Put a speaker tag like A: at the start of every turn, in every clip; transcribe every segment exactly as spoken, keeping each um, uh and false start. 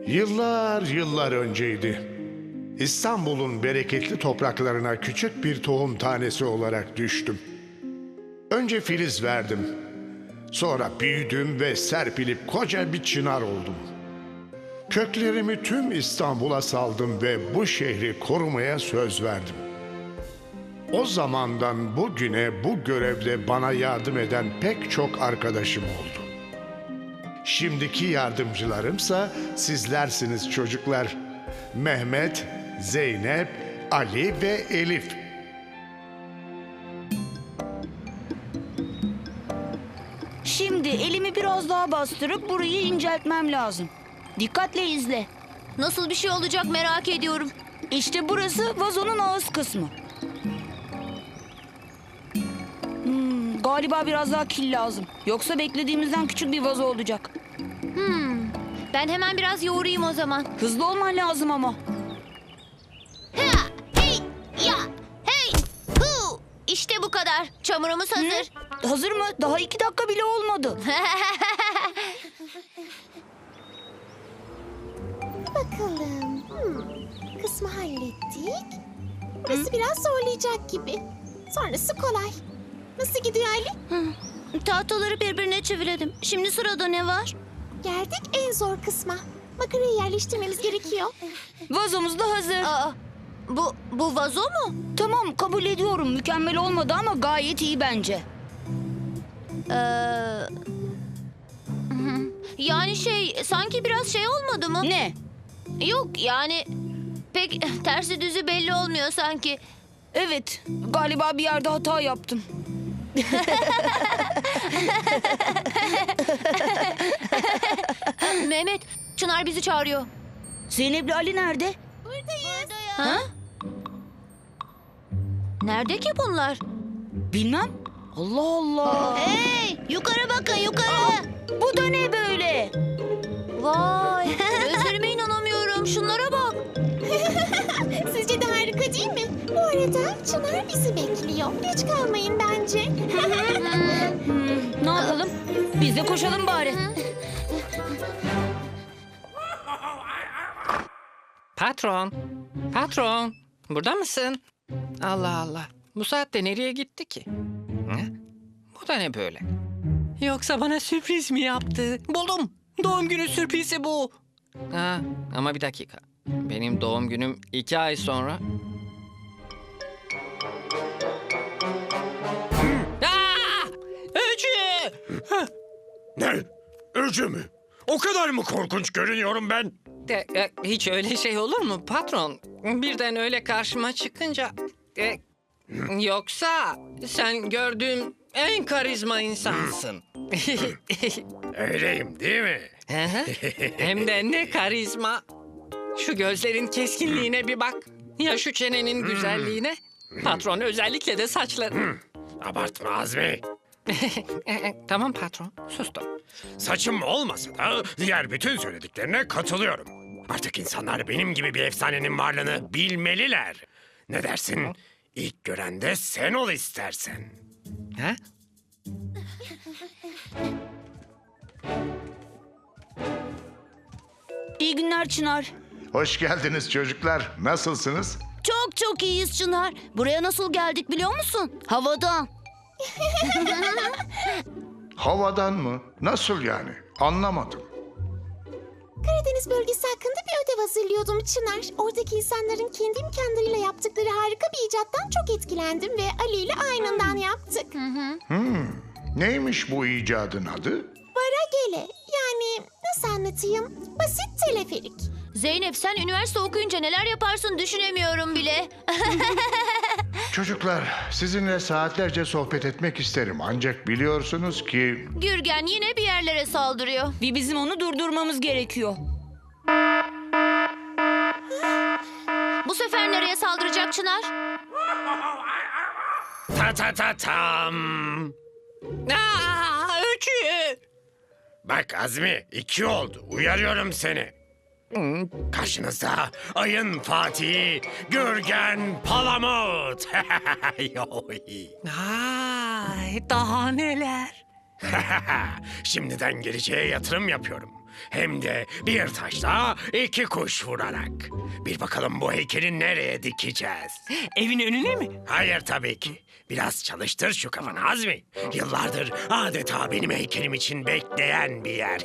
A: Yıllar yıllar önceydi. İstanbul'un bereketli topraklarına küçük bir tohum tanesi olarak düştüm. Önce filiz verdim. Sonra büyüdüm ve serpilip koca bir çınar oldum. Köklerimi tüm İstanbul'a saldım ve bu şehri korumaya söz verdim. O zamandan bugüne bu görevde bana yardım eden pek çok arkadaşım oldu. Şimdiki yardımcılarımsa sizlersiniz çocuklar. Mehmet, Zeynep, Ali ve Elif.
B: Şimdi elimi biraz daha bastırıp burayı inceltmem lazım. Dikkatle izle.
C: Nasıl bir şey olacak merak ediyorum.
B: İşte burası vazonun ağız kısmı. Hmm, galiba biraz daha kil lazım. Yoksa beklediğimizden küçük bir vazo olacak.
C: Ben hemen biraz yoğurayım o zaman.
B: Hızlı olman lazım ama.
C: Ha, hey, ya, hey, hu. İşte bu kadar. Çamurumuz hazır.
B: Hazır mı? Daha iki dakika bile olmadı.
D: Bakalım. Hmm. Kısmı hallettik. Burası biraz zorlayacak gibi. Sonrası kolay. Nasıl gidiyor Ali?
C: Tahtaları birbirine çevirelim. Şimdi sırada ne var?
D: Geldik en zor kısma. Makarayı yerleştirmemiz gerekiyor.
B: Vazomuz da hazır.
C: Aa, bu, bu vazo mu?
B: Tamam, kabul ediyorum. Mükemmel olmadı ama gayet iyi bence.
C: Ee, hı. Yani şey, sanki biraz şey olmadı mı?
B: Ne?
C: Yok yani pek tersi düzü belli olmuyor sanki.
B: Evet, galiba bir yerde hata yaptım.
C: Mehmet, Çınar bizi çağırıyor.
B: Zeynep'le Ali nerede?
C: Ha? Nerede ki bunlar?
B: Bilmem. Allah Allah.
C: Hey, yukarı bakın yukarı.
B: Bu da ne böyle?
C: Vay, gözlerime inanamıyorum. Şunlara bak.
D: Sizce de harika değil mi? Bu arada Çınar bizi bekliyor. Geç kalmayın bence.
B: Hmm, ne yapalım? Biz de koşalım bari.
E: Patron, patron, burada mısın? Allah Allah, bu saatte nereye gitti ki? Hı? Bu da ne böyle? Yoksa bana sürpriz mi yaptı? Buldum, doğum günü sürprizi bu. Ha, ama bir dakika, benim doğum günüm iki ay sonra. Aa! Öcü!
F: Ne? Öcü mü? O kadar mı korkunç görünüyorum ben?
E: De, e, hiç öyle şey olur mu patron? Birden öyle karşıma çıkınca... e, yoksa sen gördüğüm en karizma insansın.
F: Öyleyim değil mi?
E: Hı hı. Hem de ne karizma. Şu gözlerin keskinliğine bir bak. Ya şu çenenin güzelliğine. Patron, özellikle de saçların.
F: Abartma Azmi.
E: Tamam patron, sustum.
F: Saçım olmasa da diğer bütün söylediklerine katılıyorum. Artık insanlar benim gibi bir efsanenin varlığını bilmeliler. Ne dersin? İlk gören de sen ol istersen.
E: Ha?
B: İyi günler Çınar.
A: Hoş geldiniz çocuklar. Nasılsınız?
C: Çok çok iyiyiz Çınar. Buraya nasıl geldik biliyor musun? Havadan.
A: Havadan mı? Nasıl yani? Anlamadım.
D: Karadeniz bölgesi hakkında bir ödev hazırlıyordum Çınar. Oradaki insanların kendi imkanlarıyla yaptıkları harika bir icattan çok etkilendim ve Ali ile aynından yaptık.
A: Neymiş bu icadın adı?
D: Varagele. Yani nasıl anlatayım? Basit teleferik.
C: Zeynep sen üniversite okuyunca neler yaparsın düşünemiyorum bile.
A: Çocuklar, sizinle saatlerce sohbet etmek isterim. Ancak biliyorsunuz ki...
C: Gürgen yine bir yerlere saldırıyor.
B: Bir bizim onu durdurmamız gerekiyor.
C: Bu sefer nereye saldıracak Çınar?
F: Ta ta ta tam.
E: Aa, Öcü!
F: Bak Azmi, iki oldu. Uyarıyorum seni. Karşınızda ayın Fatihi, Gürgen Palamut.
E: Ay, daha neler?
F: Şimdiden geleceğe yatırım yapıyorum. Hem de bir taşla iki kuş vurarak. Bir bakalım bu heykeli nereye dikeceğiz?
E: Evin önüne mi?
F: Hayır tabii ki. Biraz çalıştır şu kafanı Azmi. Yıllardır adeta benim heykelim için bekleyen bir yer.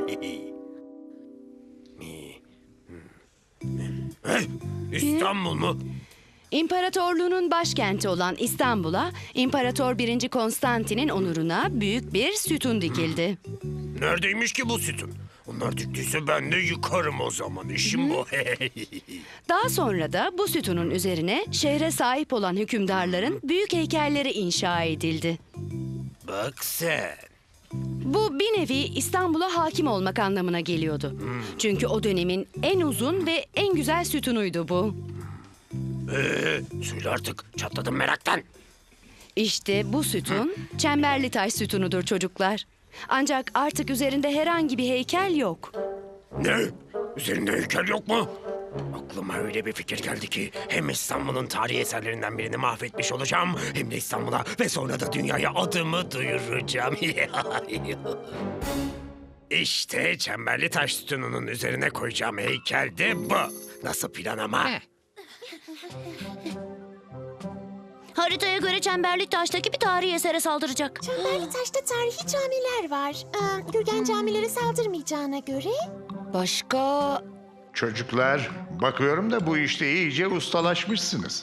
F: Eh, İstanbul mu?
G: İmparatorluğunun başkenti olan İstanbul'a İmparator birinci. Konstantin'in onuruna büyük bir sütun dikildi.
F: Neredeymiş ki bu sütun? Onlar diktiyse ben de yıkarım o zaman. İşim bu.
G: Daha sonra da bu sütunun üzerine şehre sahip olan hükümdarların büyük heykelleri inşa edildi.
F: Bak sen.
G: Bu bir nevi İstanbul'a hakim olmak anlamına geliyordu. Çünkü o dönemin en uzun ve en güzel sütunuydu bu.
F: Ee, söyle artık. Çatladım meraktan.
G: İşte bu sütun çemberli taş sütunudur çocuklar. Ancak artık üzerinde herhangi bir heykel yok.
F: Ne? Üzerinde heykel yok mu? Aklıma öyle bir fikir geldi ki hem İstanbul'un tarihi eserlerinden birini mahvetmiş olacağım hem de İstanbul'a ve sonra da dünyaya adımı duyuracağım. İşte çemberli taş sütununun üzerine koyacağım heykel de bu. Nasıl plan ama?
E: Heh.
C: Haritaya göre Çemberli Taş'taki bir tarihi esere saldıracak.
D: Çemberli Taş'ta tarihi camiler var. Ee, Gürgen camilere saldırmayacağına göre...
B: Başka...
A: Çocuklar, bakıyorum da bu işte iyice ustalaşmışsınız.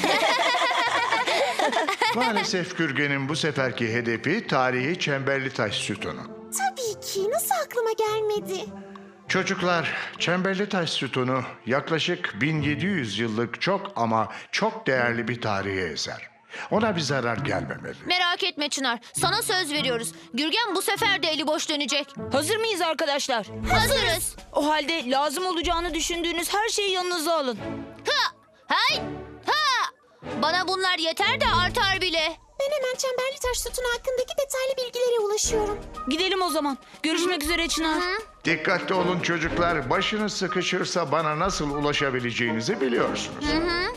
A: Maalesef Gürgen'in bu seferki hedefi tarihi Çemberli Taş sütunu.
D: Tabii ki. Nasıl aklıma gelmedi?
A: Çocuklar, Çemberli Taş sütunu yaklaşık bin yedi yüz yıllık çok ama çok değerli bir tarihi eser. Ona bir zarar gelmemeli.
C: Merak etme Çınar. Sana söz veriyoruz. Gürgen bu sefer de eli boş dönecek.
B: Hazır mıyız arkadaşlar?
C: Hazırız.
B: O halde lazım olacağını düşündüğünüz her şeyi yanınıza alın.
C: Ha! Hay! Ha! Bana bunlar yeter de artar bile.
D: Ben hemen Çemberli Taş sütunu hakkındaki detaylı bilgilere ulaşıyorum.
B: Gidelim o zaman. Görüşmek üzere Çınar.
A: Dikkatli olun çocuklar, başınız sıkışırsa bana nasıl ulaşabileceğinizi biliyorsunuz.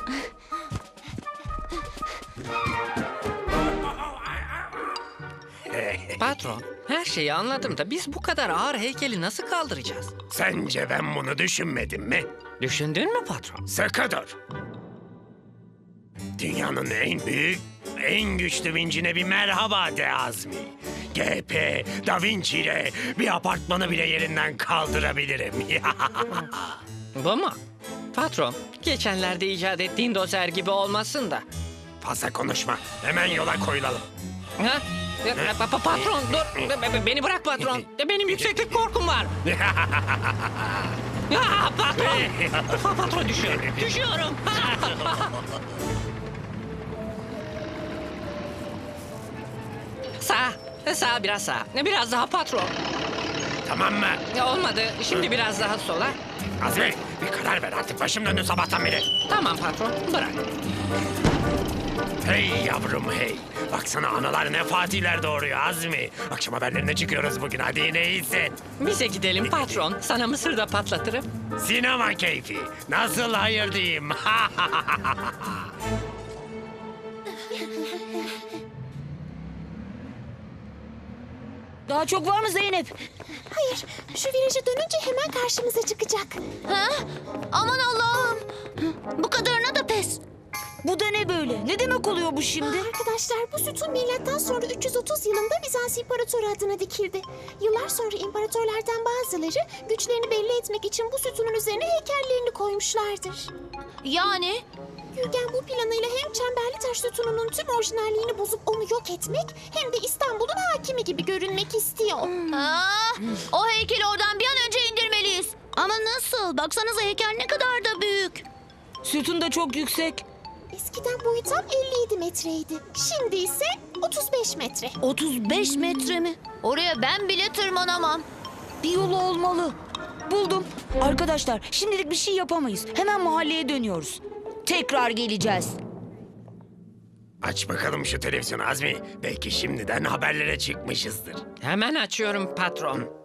E: Patron, her şeyi anladım da biz bu kadar ağır heykeli nasıl kaldıracağız?
F: Sence ben bunu düşünmedim mi?
E: Düşündün mü patron?
F: Sıkı dur. Dünyanın en büyük, en güçlü vincine bir merhaba de Azmi. G P, Da Vinci ile bir apartmanı bile yerinden kaldırabilirim.
E: Bu mu? Patron, geçenlerde icat ettiğin dozer gibi olmasın da.
F: Fazla konuşma. Hemen yola koyulalım.
E: Ha? Ya, pa- pa- patron dur. Be- be- Beni bırak patron. Benim yükseklik korkum var. Ya, patron. Pa- patron düşüyorum. Düşüyorum. Sağ. Sağ biraz sağ. Biraz daha patron.
F: Tamam mı?
E: Ya olmadı. Şimdi biraz daha sola.
F: Azmi bir karar ver artık. Başım döndü sabahtan beri.
E: Tamam patron. Bırak.
F: Hey yavrum hey. Baksana analar ne fatihler doğuruyor Azmi. Akşam haberlerine çıkıyoruz bugün. Hadi yine iyisin.
E: Bize gidelim patron. Sana mısır da patlatırım.
F: Sinema keyfi. Nasıl hayır diyeyim?
B: Daha çok var mı Zeynep?
D: Hayır, şu viraja dönünce hemen karşımıza çıkacak.
C: Ha? Aman Allah'ım. Bu kadarına da pes.
B: Bu da ne böyle? Ne demek oluyor bu şimdi?
D: Arkadaşlar bu sütun milattan sonra üç yüz otuz yılında Bizans İmparatoru adına dikildi. Yıllar sonra imparatorlardan bazıları güçlerini belli etmek için bu sütunun üzerine heykellerini koymuşlardır.
C: Yani
D: Gürgen bu planıyla hem Çemberli Taş sütununun tüm orijinalliğini bozup onu yok etmek hem de İstanbul'un hakimi gibi görünmek istiyor.
C: Aa, o heykeli oradan bir an önce indirmeliyiz. Ama nasıl? Baksanıza heykel ne kadar da büyük.
B: Sütun da çok yüksek.
D: Eskiden boyu tam elli yedi metreydi. Şimdi ise otuz beş metre.
B: otuz beş metre mi?
C: Oraya ben bile tırmanamam.
B: Bir yolu olmalı. Buldum. Arkadaşlar şimdilik bir şey yapamayız. Hemen mahalleye dönüyoruz. Tekrar geleceğiz.
F: Aç bakalım şu televizyonu Azmi. Belki şimdiden haberlere çıkmışızdır.
E: Hemen açıyorum patron.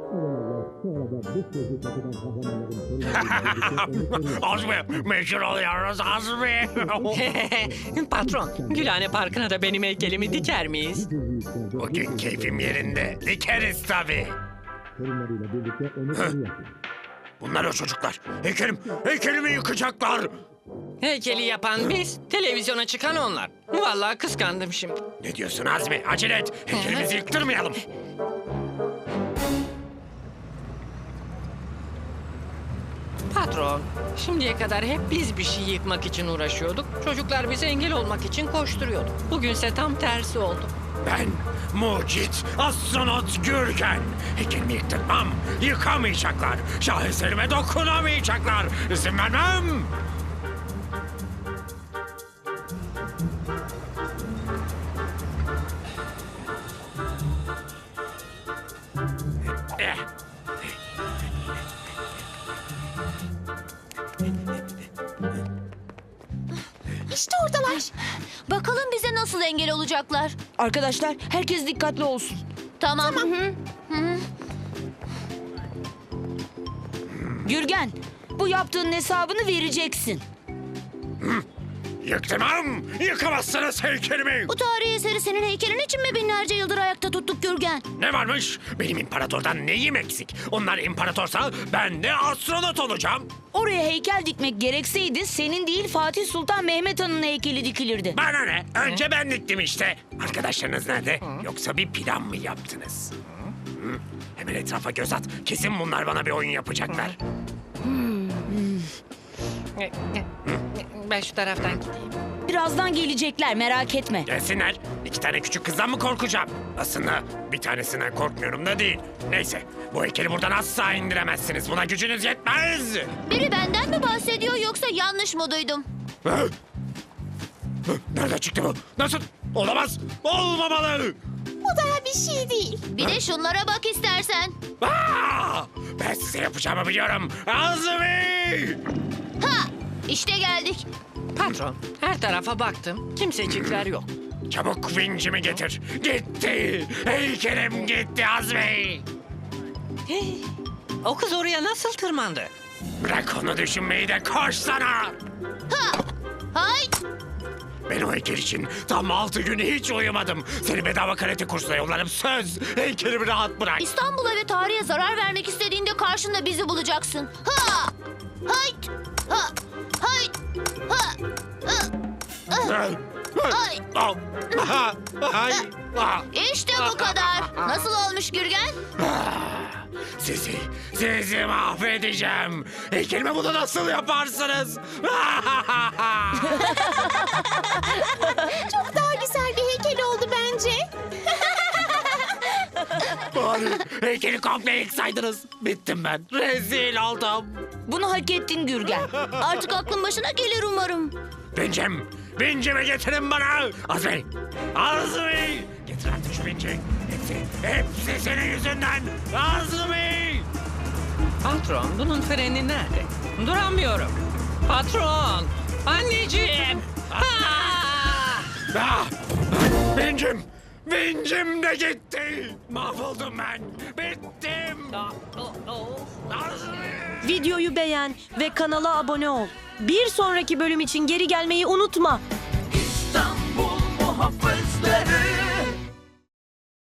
F: Azmi meşhur oluyoruz Azmi.
E: Patron, Gülhane Parkı'na da benim heykelimi diker miyiz?
F: Bugün keyfim yerinde. Dikeriz tabii. Bunlar o çocuklar. Heykelim, heykelimi yıkacaklar.
E: Heykeli yapan biz, televizyona çıkan onlar. Vallahi kıskandım şimdi.
F: Ne diyorsun Azmi? Acele et. Heykelimizi yıktırmayalım.
E: Patron, şimdiye kadar hep biz bir şey yıkmak için uğraşıyorduk. Çocuklar bize engel olmak için koşturuyordu. Bugünse tam tersi oldu.
F: Ben mucit astronot Gürgen. Heykelimi yıktırmam. Yıkamayacaklar. Şaheserime dokunamayacaklar. İzin vermem. Eh.
D: İşte oradalar.
C: Bakalım bize nasıl engel olacaklar.
B: Arkadaşlar herkes dikkatli olsun.
C: Tamam. Hı hı.
B: Gürgen, bu yaptığın hesabını vereceksin.
F: Yıktırmam. Yıkamazsınız heykelimi.
C: Bu tarihi eseri senin heykelin için mi binlerce yıldır ayakta tuttuk Gürgen?
F: Ne varmış? Benim imparatordan neyim eksik? Onlar imparatorsa ben de astronot olacağım.
B: Oraya heykel dikmek gerekseydi senin değil Fatih Sultan Mehmet Han'ın heykeli dikilirdi.
F: Bana ne? Önce ben diktim işte. Arkadaşlarınız nerede? Yoksa bir plan mı yaptınız? Hı? Hemen etrafa göz at. Kesin bunlar bana bir oyun yapacaklar.
E: Ben şu taraftan gideyim.
B: Birazdan gelecekler, merak etme.
F: Gelsinler. İki tane küçük kızdan mı korkacağım? Aslında bir tanesinden korkmuyorum da değil. Neyse, bu heykeli buradan asla indiremezsiniz. Buna gücünüz yetmez.
C: Biri benden mi bahsediyor yoksa yanlış mı duydum?
F: Hı? Hı? Nereden çıktı bu? Nasıl? Olamaz. Olmamalı.
D: Bu daha bir şey değil.
C: Bir de şunlara bak istersen.
F: Aa! Ben size yapacağımı biliyorum. Azmi!
C: Ha! İşte geldik.
E: Patron, her tarafa baktım. Kimsecikler yok.
F: Çabuk vincimi getir. Gitti. Heykelim gitti Azmi.
E: Hey, o kız oraya nasıl tırmandı?
F: Bırak onu düşünmeyi de koş sana.
C: Ha! Hay!
F: Ben o heykel için tam altı gün hiç uyumadım. Seni bedava karate kursuna yollarım söz. Heykelimi rahat bırak.
C: İstanbul'a ve tarihe zarar vermek istediğinde karşında bizi bulacaksın. Ha! Hayt! Ha! Hayt! Ha!
F: Ay.
C: Ay!
F: Ay. Ay. Ay.
C: İşte bu kadar. Nasıl olmuş Gürgen?
F: Sizi, sizi mahvedeceğim. Heykelime bunu nasıl yaparsınız?
D: Çok daha güzel bir heykel oldu bence.
F: Bari heykeli komple yıksaydınız. Bittim ben. Rezil oldum.
B: Bunu hak ettin Gürgen.
C: Artık aklın başına gelir umarım.
F: Vincim, vincimi getirin bana. Azmi, Azmi. Getir artık şu vinci. Hepsi, hepsi senin yüzünden. Azmi.
E: Patron, bunun freni nerede? Duramıyorum. Patron, anneciğim. Ah!
F: Ah, vincim, vincim de gitti. Mahvoldum ben. Bittim.
E: Ah, oh, oh.
F: Azmi.
H: Videoyu beğen ve kanala abone ol. Bir sonraki bölüm için geri gelmeyi unutma.
I: İstanbul muhafızları